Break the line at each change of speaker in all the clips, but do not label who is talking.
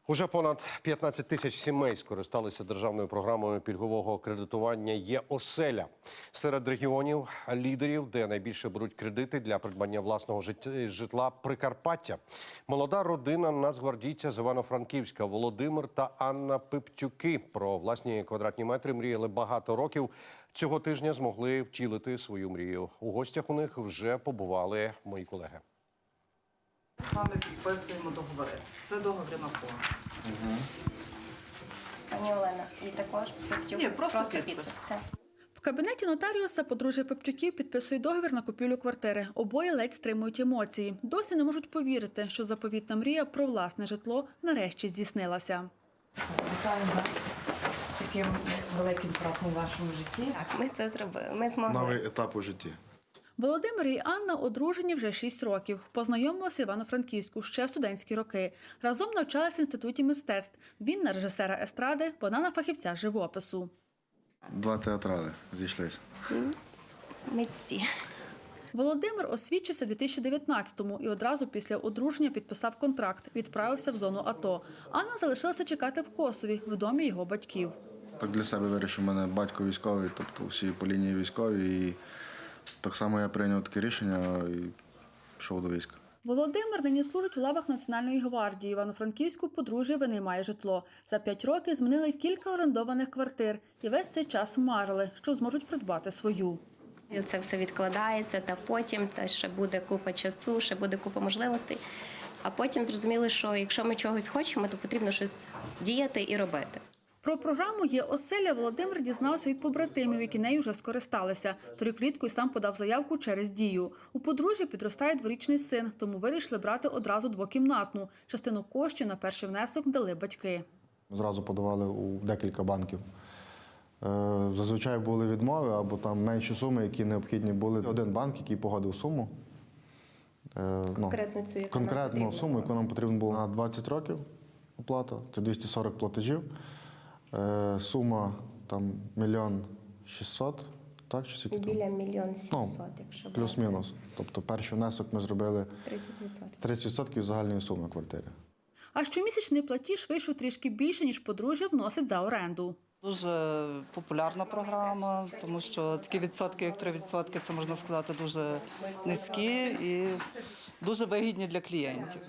Уже понад 15 тисяч сімей скористалися державною програмою пільгового кредитування «Є-оселя». Серед регіонів лідерів, де найбільше беруть кредити для придбання власного житла – Прикарпаття. Молода родина нацгвардійця з Івано-Франківська Володимир та Анна Пиптюки про власні квадратні метри мріяли багато років. Цього тижня змогли втілити свою мрію. У гостях у них вже побували мої колеги.
З вами підписуємо договори. Це договори на форму.
Пані Олена, і також Пептюк?
Ні, просто підпис.
Все.
В кабінеті нотаріуса подружжя Пептюків підписує договір на купівлю квартири. Обоє ледь стримують емоції. Досі не можуть повірити, що заповітна мрія про власне житло нарешті здійснилася.
Вітаю вас з таким великим кроком у вашому житті.
Так, ми це зробили, ми змогли.
Новий етап у житті.
Володимир і Анна одружені вже 6 років. Познайомилися в Івано-Франківську ще в студентські роки. Разом навчалися в інституті мистецтв. Він на режисера естради, вона на фахівця живопису.
Два театрали зійшлися.
Митці.
Володимир освідчився в 2019-му і одразу після одруження підписав контракт, відправився в зону АТО. Анна залишилася чекати в Косові, в домі його батьків.
Так для себе вирішив, у мене батько військовий, тобто всі по лінії військові. І так само я прийняв таке рішення і пішов до війська.
Володимир нині служить у лавах Національної гвардії. Івано-Франківську подружжя винаймає житло. За 5 років змінили кілька орендованих квартир. І весь цей час марили, що зможуть придбати свою.
І це все відкладається, та потім ще буде купа часу, ще буде купа можливостей. А потім зрозуміли, що якщо ми чогось хочемо, то потрібно щось діяти і робити.
Про програму «Є-оселя» Володимир дізнався від побратимів, які нею вже скористалися. Торік влітку й сам подав заявку через Дію. У подружжя підростає дворічний син, тому вирішили брати одразу двокімнатну. Частину коштів на перший внесок дали батьки.
Зразу подавали у декілька банків. Зазвичай були відмови або там менші суми, які необхідні були. Один банк, який погодив суму.
Конкретно цю, яку
конкретну
нам
суму, яку нам потрібно було на 20 років оплата. Це 240 платежів. Сума там 1 600 000, так? Чи скільки там?
Біля 1 700 000, якщо
плюс-мінус. Тобто перший внесок ми зробили 30% загальної суми квартири.
А щомісячний платіж вийшов трішки більше, ніж подружжя вносить за оренду.
Дуже популярна програма, тому що такі відсотки, як 3%, це, можна сказати, дуже низькі і дуже вигідні для клієнтів.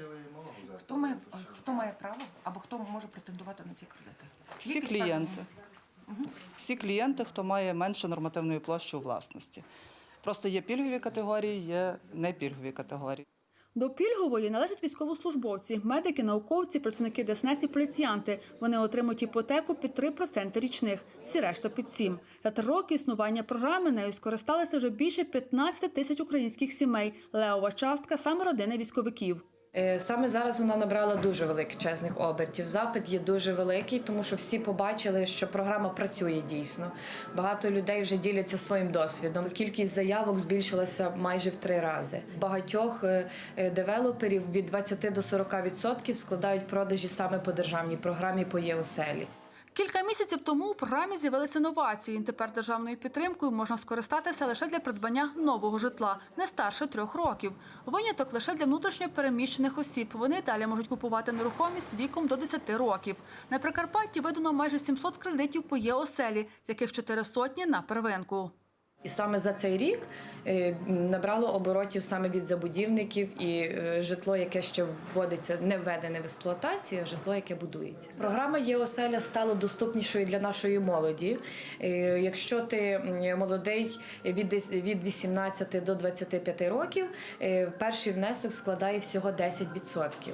Хто має право або хто може претендувати на ці кредити?
Всі клієнти. Всі клієнти, хто має менше нормативної площі у власності. Просто є пільгові категорії, є непільгові категорії.
До пільгової належать військовослужбовці, медики, науковці, працівники ДСНС і поліціянти. Вони отримують іпотеку під 3% річних, всі решта під 7%. За 3 роки існування програми нею скористалися вже більше 15 тисяч українських сімей. Левова частка – саме родини військовиків.
Саме зараз вона набрала дуже величезних обертів. Запит є дуже великий, тому що всі побачили, що програма працює дійсно. Багато людей вже діляться своїм досвідом. Кількість заявок збільшилася майже в 3 рази. Багатьох девелоперів від 20 до 40% складають продажі саме по державній програмі по «Є-оселі».
Кілька місяців тому у програмі з'явилися новації. Тепер державною підтримкою можна скористатися лише для придбання нового житла, не старше 3 років. Виняток лише для внутрішньо переміщених осіб. Вони далі можуть купувати нерухомість віком до 10 років. На Прикарпатті видано майже 700 кредитів по «Є-оселі», з яких 400 на первинку.
І саме за цей рік набрало оборотів саме від забудівників і житло, яке ще вводиться, не введене в експлуатацію, а житло, яке будується. Програма «Є-оселя» стала доступнішою для нашої молоді. Якщо ти молодий від 18 до 25 років, перший внесок складає всього 10%.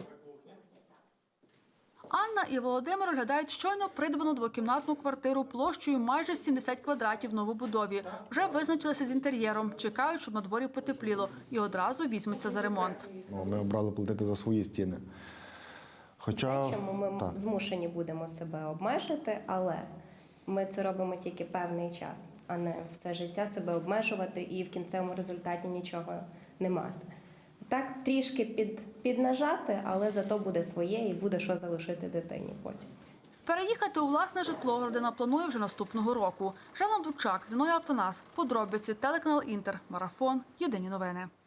Анна і Володимир оглядають щойно придбану двокімнатну квартиру площею майже 70 квадратів в новобудові. Вже визначилися з інтер'єром, чекають, щоб на дворі потепліло, і одразу візьмуться за ремонт.
Ми обрали платити за свої стіни.
Чому ми змушені будемо себе обмежити, але ми це робимо тільки певний час, а не все життя себе обмежувати і в кінцевому результаті нічого не мати. Так, трішки піднажати, але зато буде своє і буде що залишити дитині потім.
Переїхати у власне житло родина планує вже наступного року. Жанна Дучак, Зіною Автонас, подробиці, телеканал Інтер, Марафон, Єдині новини.